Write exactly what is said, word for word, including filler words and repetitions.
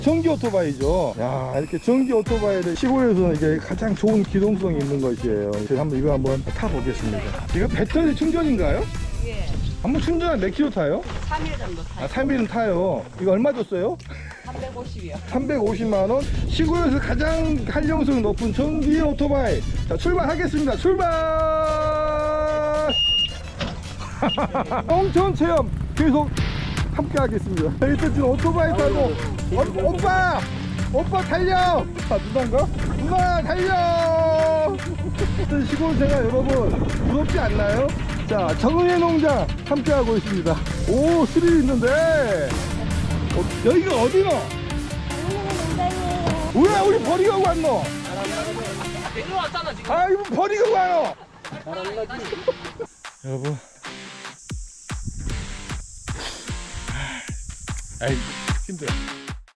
전기 오토바이죠. 야, 이렇게 전기 오토바이를 시골에서는 이게 가장 좋은 기동성이 있는 것이에요. 제가 한번 이거 한번 타보겠습니다. 이거 배터리 충전인가요? 예. 한번 충전한 몇 킬로 타요? 삼 일 정도 타요. 아, 삼 일은 타요. 이거 얼마 줬어요? 삼백오십이요. 삼백오십만 원. 시골에서 가장 활용성 높은 전기 오토바이. 자, 출발하겠습니다. 출발! 홍천 체험 계속 함께 하겠습니다. 일단 지금 오토바이 타고 어, 오빠! 오빠 달려! 아, 누나인가? 누나 달려! 시골 생활 여러분 부럽지 않나요? 자, 정은혜 농장 함께 하고 있습니다. 오, 스릴 있는데 어, 여기가 어디노? 왜 우리 버리고 왔노? 내려왔잖아 지금. 아, 이거 버리고 가요. 여러분, 아이 힘들어.